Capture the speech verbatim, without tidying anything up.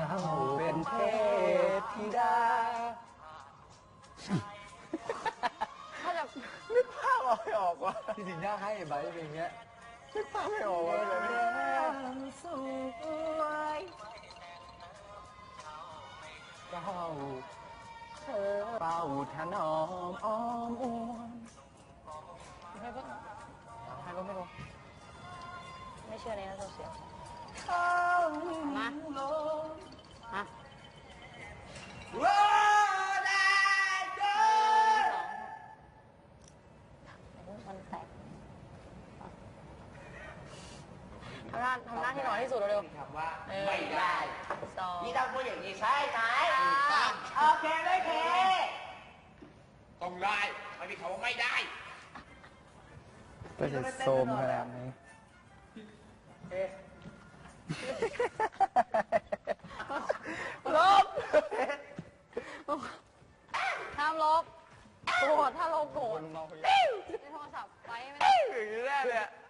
เป็นเทพธิดาถ้าจะนึกภาพเอาไม่ออกว่ะที่จริงน่าให้ไบร์ทเป็นอย่างเงี้ยนึกภาพไม่ออกว่าเลยสวยเป้าเธอเป้าถนอมอ้อมอ้วนให้ก็ให้ก็ไม่รู้ไม่เชื่อในโซเชียลเข้ามามาว้าได้ก็มันแตกทำหน้าทำหน้าที่น้อยที่สุดเร็วคำว่าๆหนึ่งไม่ได้สองนี่ต้องพูดอย่างนี้ใช่ไหมค่ะโอเคไม่เคต้องได้ไม่มีคำว่าไม่ได้ก็จะโซมขนาดนี้ลบห้ามลบโกรธถ้าลบโกรธในโทรศัพท์ไว้ไม่ได้อย่างนี้แน่เลยอะ